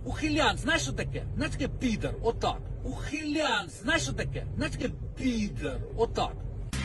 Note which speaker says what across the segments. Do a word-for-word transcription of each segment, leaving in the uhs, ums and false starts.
Speaker 1: Ухилян, знаєш що таке? Знаєш таке підар, отак. Ухилян, знаєш що таке? Знаєш таке підар, отак.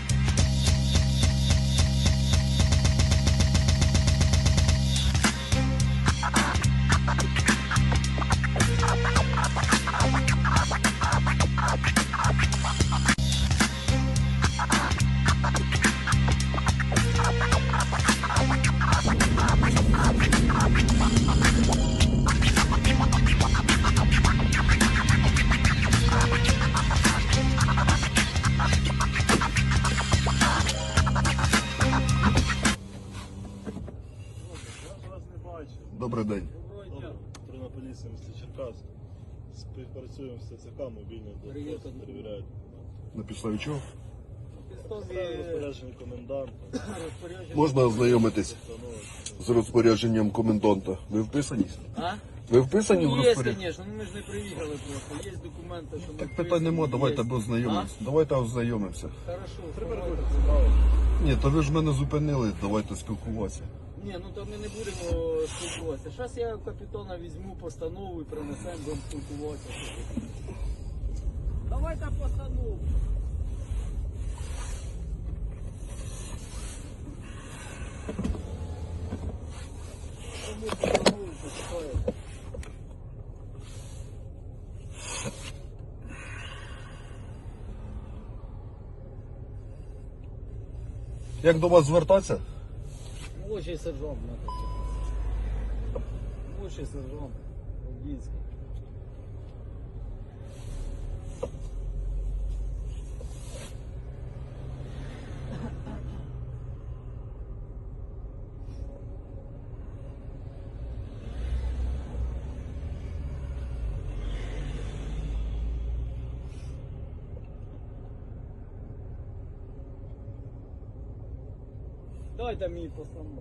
Speaker 2: Добрий день.
Speaker 3: Патрульна поліція міста Черкас. Співпрацюємо з ТЦК, мобільний блокпост, перевіряють.
Speaker 2: На підставі чого?
Speaker 3: Ставлю розпорядження коменданта.
Speaker 2: Можна ознайомитись з розпорядженням коменданта. Ви вписані?
Speaker 1: А?
Speaker 2: Ви вписані в
Speaker 1: Є,
Speaker 2: розпорядження?
Speaker 1: звісно, ну ми ж не приїхали просто. Є документи, що ми
Speaker 2: Так питань нема, давайте
Speaker 1: є.
Speaker 2: ознайомимося. Давайте ознайомимося.
Speaker 1: Хорошо,
Speaker 3: Переходьте,
Speaker 1: давайте.
Speaker 3: справа.
Speaker 2: Ні, то ви ж мене зупинили, давайте спілкуватися.
Speaker 1: Ні, ну то ми не будемо спілкуватися. Зараз я капітана візьму постанову і принесемо, будемо спілкуватися. Давайте постанову. Кому постанову почитаєте?
Speaker 2: Як до вас звертатися?
Speaker 1: Молодший сержант, надо. Молодший сержант. Обдінський. Дайте мені постанову.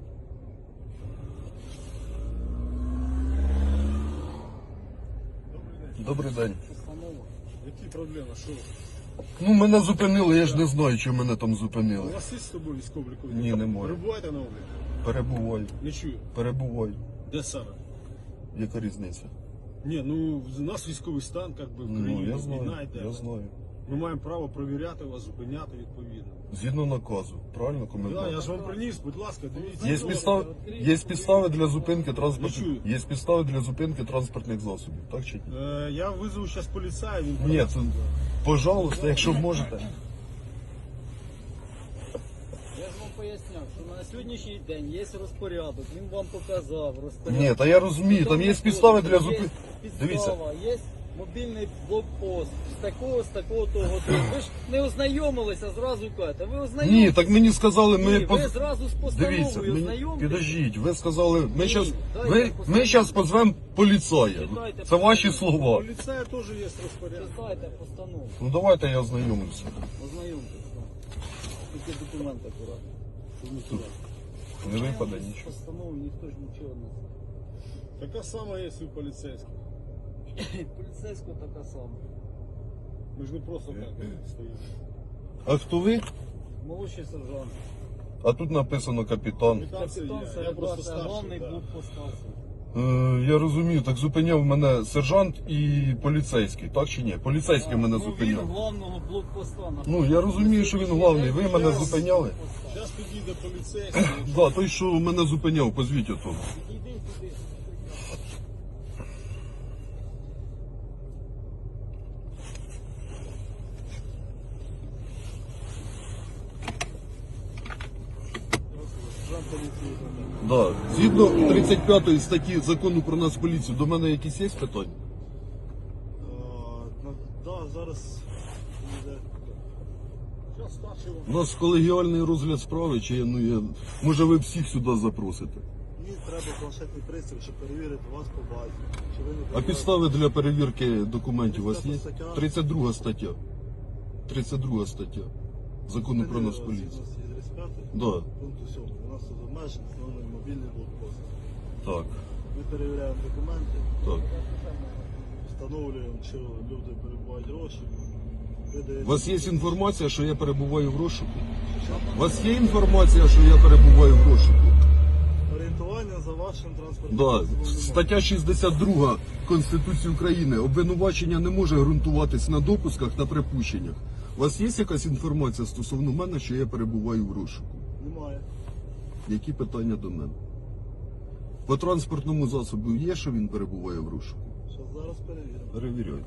Speaker 2: Добрий день.
Speaker 1: Постанова.
Speaker 3: Які проблеми? Що?
Speaker 2: Ну, мене зупинили, я ж не знаю, чи мене там
Speaker 3: У
Speaker 2: зупинили.
Speaker 3: вас є з собою військовий обліковий?
Speaker 2: Ні, немає.
Speaker 3: Перебуваєте на обліку?
Speaker 2: Перебуваю.
Speaker 3: Не чую.
Speaker 2: Перебуваю.
Speaker 3: Де саме?
Speaker 2: Яка різниця?
Speaker 3: Ні, ну у нас військовий стан, як би в
Speaker 2: Ну,
Speaker 3: країні,
Speaker 2: я
Speaker 3: війна
Speaker 2: знаю,
Speaker 3: йде.
Speaker 2: я знаю.
Speaker 3: Ми маємо право перевіряти вас, зупиняти відповідно.
Speaker 2: Згідно наказу, правильно,
Speaker 3: Да,
Speaker 2: комендант?
Speaker 3: я ж вам приніс, будь ласка, дивіться.
Speaker 2: Є підстави, є підстави для зупинки транспортних,
Speaker 3: Не чую.
Speaker 2: є підстави для зупинки транспортних засобів, так чи ні?
Speaker 3: Е, я визову зараз поліцая, він
Speaker 2: Ні,
Speaker 3: приніс.
Speaker 2: це, пожалуйста, якщо можете.
Speaker 1: Я ж вам поясняв, що на сьогоднішній день є розпорядок, він вам показав розпорядок.
Speaker 2: Ні, та я розумію, там є підстави для зупинки.
Speaker 1: Є
Speaker 2: Дивіться.
Speaker 1: підстава, є мобільний блокпост з такого, з такого того. Ви ж не ознайомилися, зразу кажете. Ви ознайомилися.
Speaker 2: Ні, так мені сказали, ми...
Speaker 1: Ні,
Speaker 2: поз-
Speaker 1: ви зразу з постановою
Speaker 2: Дивіться, мені...
Speaker 1: ознайомилися.
Speaker 2: підождіть, ви сказали, ми
Speaker 1: Ні,
Speaker 2: зараз
Speaker 1: дайте
Speaker 2: ви...
Speaker 1: постанову.
Speaker 2: ми щас позвемо поліцая.
Speaker 1: Читайте
Speaker 2: Це ваші
Speaker 1: постанову.
Speaker 2: слова.
Speaker 3: Поліцая теж є розпорядок.
Speaker 1: Читайте постанову,
Speaker 2: Ну давайте я ознайомлюся.
Speaker 1: ознайомтеся. Тільки документи акуратно.
Speaker 2: Не випаде
Speaker 1: Без
Speaker 2: нічого.
Speaker 1: постанови ніхто ж нічого не знає.
Speaker 3: Така сама є і у поліцейських.
Speaker 1: Поліцейського така сама.
Speaker 3: Ми ж не просто так стоїмо.
Speaker 2: А хто ви?
Speaker 1: Молодший сержант.
Speaker 2: А тут написано капітан.
Speaker 3: Капітан це
Speaker 1: Капітан
Speaker 3: я, я просто
Speaker 1: Середа,
Speaker 3: старший.
Speaker 1: головний
Speaker 3: да.
Speaker 1: блокпост станції.
Speaker 2: Е, я розумію, так зупиняв мене сержант і поліцейський, так чи ні? Поліцейський мене
Speaker 1: Ну, він
Speaker 2: зупиняв.
Speaker 1: главного блокпоста.
Speaker 2: Ну, я розумію, що він главний. Ви мене зупиняли?
Speaker 3: Зараз підійде поліцейський.
Speaker 2: Да, той, що мене зупиняв, позвіть ото.
Speaker 1: Іди туди.
Speaker 3: Сержант поліції.
Speaker 2: Да. Згідно тридцять п'ятої статті закону про нас поліцію, до мене якісь є питання?
Speaker 3: Так, зараз підійде. Зараз старший вам.
Speaker 2: У нас колегіальний розгляд справи, чи ну я. Може ви всіх сюди запросите?
Speaker 3: Мені треба планшетний пристрій, щоб перевірити вас по базі. Чи ви не
Speaker 2: А
Speaker 3: перебуваєте?
Speaker 2: підстави для перевірки документів у вас є? тридцять друга стаття. тридцять друга стаття. Закону про нас поліцію.
Speaker 3: тридцять п'ятий
Speaker 2: Да,
Speaker 3: пункту сьомого. У нас тут обмежений встановлений мобільний блокпост.
Speaker 2: так,
Speaker 3: Ми перевіряємо документи,
Speaker 2: так.
Speaker 3: встановлюємо, чи люди перебувають гроші.
Speaker 2: У вас є інформація, що я перебуваю в розшуку? У вас є інформація, що я перебуваю в розшуку?
Speaker 3: Орієнтування за вашим транспортним
Speaker 2: Да.
Speaker 3: засобом немає.
Speaker 2: Стаття шістдесят друга Конституції України обвинувачення не може ґрунтуватись на допусках та припущеннях. У вас є якась інформація стосовно мене, що я перебуваю в розшуку?
Speaker 3: Немає.
Speaker 2: Які питання до мене? По транспортному засобу є, що він перебуває в розшуку?
Speaker 3: Що зараз перевіримо.
Speaker 2: Перевіряйте.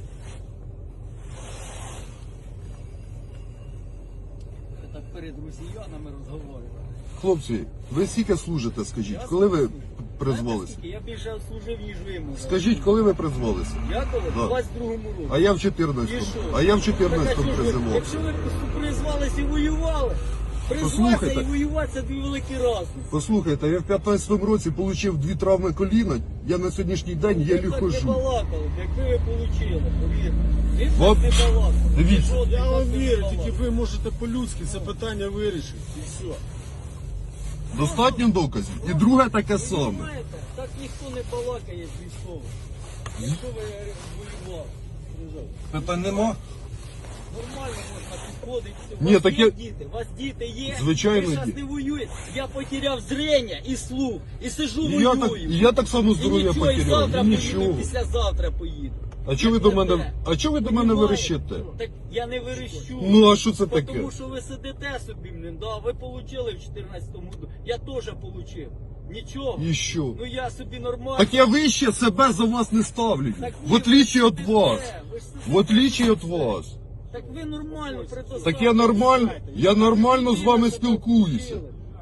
Speaker 1: Ви так перед росіянами розговорювали.
Speaker 2: Хлопці, ви скільки служите, скажіть?
Speaker 1: Я
Speaker 2: Коли ви
Speaker 1: служу.
Speaker 2: призвалися?
Speaker 1: Знаєте, скільки? Я більше служив, ніж ви. може.
Speaker 2: Скажіть, коли ви призвалися?
Speaker 1: Я коли?
Speaker 2: Да.
Speaker 1: В двадцять другому році.
Speaker 2: А я в
Speaker 1: І
Speaker 2: чотирнадцятому.
Speaker 1: що?
Speaker 2: А я в
Speaker 1: Так, а
Speaker 2: чотирнадцятому
Speaker 1: що ж ви-
Speaker 2: призивався.
Speaker 1: Якщо ви призвалися і воювали, призватися
Speaker 2: Послухайте.
Speaker 1: і воювати – це дві великі разниці.
Speaker 2: Послухайте, я в п'ятнадцятому році отримав дві травми коліна, я на сьогоднішній день
Speaker 1: Ви
Speaker 2: єлі
Speaker 1: так не
Speaker 2: хожу.
Speaker 1: балакали, якби ви отримали, повірте. Він
Speaker 2: Вам-
Speaker 1: так не балакав.
Speaker 2: Дивіться.
Speaker 1: Жодний
Speaker 3: Я
Speaker 1: так
Speaker 3: вам
Speaker 1: не
Speaker 3: вірю,
Speaker 1: балакав.
Speaker 3: тільки ви можете по-людськи це питання вирішити. І все.
Speaker 2: Достатньо доказів. І друге таке
Speaker 1: Ви
Speaker 2: саме.
Speaker 1: знаєте, так ніхто не балакає з військових. Якщо ви воювали.
Speaker 2: Питань нема?
Speaker 1: Нормально можна підходити. У
Speaker 2: Ні,
Speaker 1: вас
Speaker 2: так
Speaker 1: є
Speaker 2: я-
Speaker 1: діти, у вас діти є.
Speaker 2: Звичайно,
Speaker 1: ви зараз
Speaker 2: є.
Speaker 1: не воюєте. Я потеряв зрення і слух. І сижу
Speaker 2: І я так,
Speaker 1: воюю.
Speaker 2: і я так само
Speaker 1: І
Speaker 2: здоров'я
Speaker 1: нічого, і
Speaker 2: потеряв.
Speaker 1: завтра
Speaker 2: І
Speaker 1: поїду,
Speaker 2: нічого.
Speaker 1: і післязавтра поїду.
Speaker 2: А чого ви до мене, а чого ви до мене
Speaker 1: Понімаєте?
Speaker 2: верещите?
Speaker 1: Так я не верещу.
Speaker 2: Ну а що це таке?
Speaker 1: Тому що ви сидите собі, блін, да, ви получили в чотирнадцятому году. Я теж получив. Нічого.
Speaker 2: І що?
Speaker 1: Ну я собі нормально.
Speaker 2: Так я вище себе за вас не ставлю.
Speaker 1: Так
Speaker 2: В
Speaker 1: ні,
Speaker 2: отличие
Speaker 1: ви
Speaker 2: від
Speaker 1: сидите,
Speaker 2: вас.
Speaker 1: ви ж сидите.
Speaker 2: В отличие від вас.
Speaker 1: Так ви нормально предоставте.
Speaker 2: Так я нормально, я нормально з вами спілкуюся.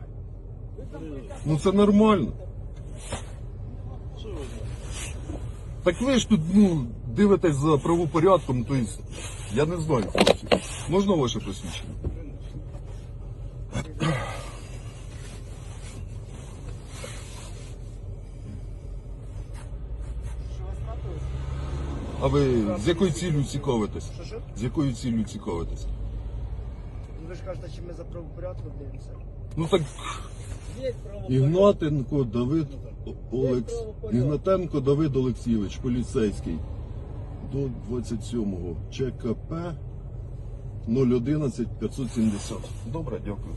Speaker 2: Ну це нормально.
Speaker 3: Що ви знаєте?
Speaker 2: Так ви ж тут, ну, дивитесь за правопорядком, то есть, я не знаю, хлопці. Можна ваше посвідчення?
Speaker 1: Що вас трапилось?
Speaker 2: А ви з якою ціллю цікавитесь?
Speaker 4: Що що?
Speaker 2: З якою ціллю цікавитесь?
Speaker 4: Ну, ви ж кажете, що ми за правопорядком дивимося.
Speaker 2: Ну так,
Speaker 1: Є право.
Speaker 2: Ігнатенко Давид О- Олекс...
Speaker 1: правопорядок.
Speaker 2: Ігнатенко Давид Олексійович, поліцейський. До двадцять сьомого ЧКП нуль одинадцять п'ятсот сімдесят. Добре, дякую.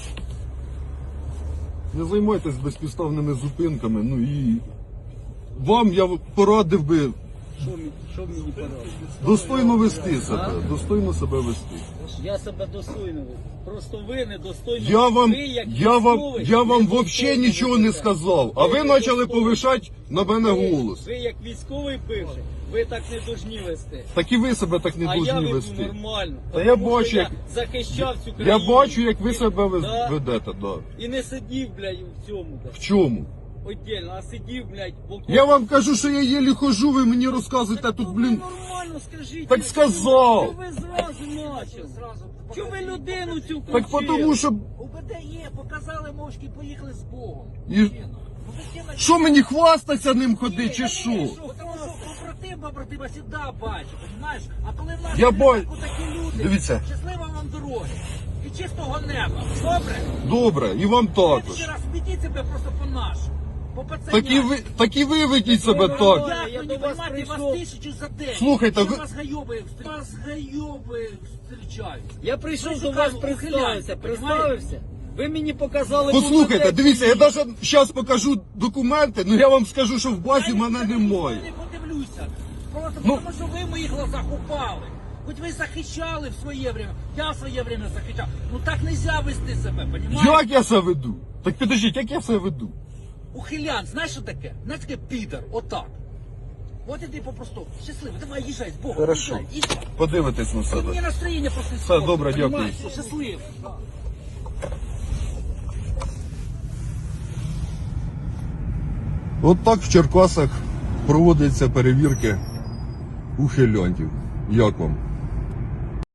Speaker 2: Не займайтесь безпідставними зупинками, ну і вам я порадив би
Speaker 1: Що мені, що мені порадити?
Speaker 2: достойно вести себе, достойно себе вести.
Speaker 1: Я себе достойно веду. Просто ви недостойно.
Speaker 2: Я вам,
Speaker 1: ви, як
Speaker 2: я вам,
Speaker 1: військовий,
Speaker 2: я вам
Speaker 1: недостойно
Speaker 2: взагалі нічого не
Speaker 1: ведете.
Speaker 2: сказав, а ви
Speaker 1: недостойно.
Speaker 2: почали повишати на мене
Speaker 1: Ви-
Speaker 2: голос.
Speaker 1: Ви як військовий бивший, ви так не должні вести.
Speaker 2: Так і ви себе так не
Speaker 1: а я
Speaker 2: повинні
Speaker 1: веду
Speaker 2: вести.
Speaker 1: нормально.
Speaker 2: Та я
Speaker 1: Тому що
Speaker 2: бачу,
Speaker 1: я
Speaker 2: як-
Speaker 1: захищав цю
Speaker 2: Я
Speaker 1: країну.
Speaker 2: бачу, як ви себе вез-
Speaker 1: Да.
Speaker 2: ведете, да.
Speaker 1: І не сидів, блядь, в цьому,
Speaker 2: В
Speaker 1: блядь,
Speaker 2: чому?
Speaker 1: отдельно, а сидів, блядь, в окопі.
Speaker 2: Я вам кажу, що я єлі хожу, ви мені розказуєте
Speaker 1: Так
Speaker 2: тут,
Speaker 1: ви
Speaker 2: блін.
Speaker 1: нормально скажіть.
Speaker 2: Так
Speaker 1: ну,
Speaker 2: сказав.
Speaker 1: Чого ви зразу начали? Чого ви людину цю
Speaker 2: Так
Speaker 1: включили?
Speaker 2: тому що.
Speaker 5: УБД є, показали мовчки, поїхали з Богом.
Speaker 2: І... Що мені хвастаться ним ходити, чи що?
Speaker 5: Тому що побратим, побратима завжди бачить, розумієш? А коли в нас
Speaker 2: Я
Speaker 5: є
Speaker 2: бачу.
Speaker 5: такі люди,
Speaker 2: Дивіться.
Speaker 5: щаслива вам дороги і чистого неба. Добре?
Speaker 2: Добре, і вам
Speaker 5: Ви
Speaker 2: також.
Speaker 5: ще раз ведіть себе просто по-нашому. По пацаням.
Speaker 2: Так і ви, так і ви ведіть себе так.
Speaker 1: Я
Speaker 5: Як
Speaker 1: до
Speaker 5: мені
Speaker 1: вас
Speaker 5: поймати вас
Speaker 1: прийшов.
Speaker 5: тисячу за день?
Speaker 2: Слухайте,
Speaker 5: Що
Speaker 2: ви-
Speaker 5: вас гайоби, вас гайоби зустрічають.
Speaker 1: Я прийшов
Speaker 5: Ви
Speaker 1: до вас,
Speaker 5: шукали
Speaker 1: представився,
Speaker 5: ухилянців,
Speaker 1: представився. Ви мені показали...
Speaker 2: Послухайте,
Speaker 1: повнотек.
Speaker 2: дивіться, я навіть зараз покажу документи, але я вам скажу, що в базі мене
Speaker 5: Я
Speaker 2: немає.
Speaker 5: не подивлюся. Просто
Speaker 2: Ну-
Speaker 5: тому, що ви в моїх глазах упали. Хоч ви захищали в своє время, я в своє время захищав. Ну так не можна вести себе, понімаєте?
Speaker 2: Як я себе веду? Так підождіть, як я себе веду?
Speaker 5: Ухилян, знаєш що таке? Знаєш таке підер, отак. От і ти попросту. Щасливо, давай їжджай з Богом.
Speaker 2: Хорошо.
Speaker 5: їжджай, їжджай.
Speaker 2: Подивитесь на
Speaker 5: Мені
Speaker 2: себе.
Speaker 5: настроєння просто
Speaker 2: Все,
Speaker 5: іспортить,
Speaker 2: добре, дякую.
Speaker 5: понімаєш? Щасливо.
Speaker 2: От так в Черкасах проводяться перевірки ухилянтів. Як вам?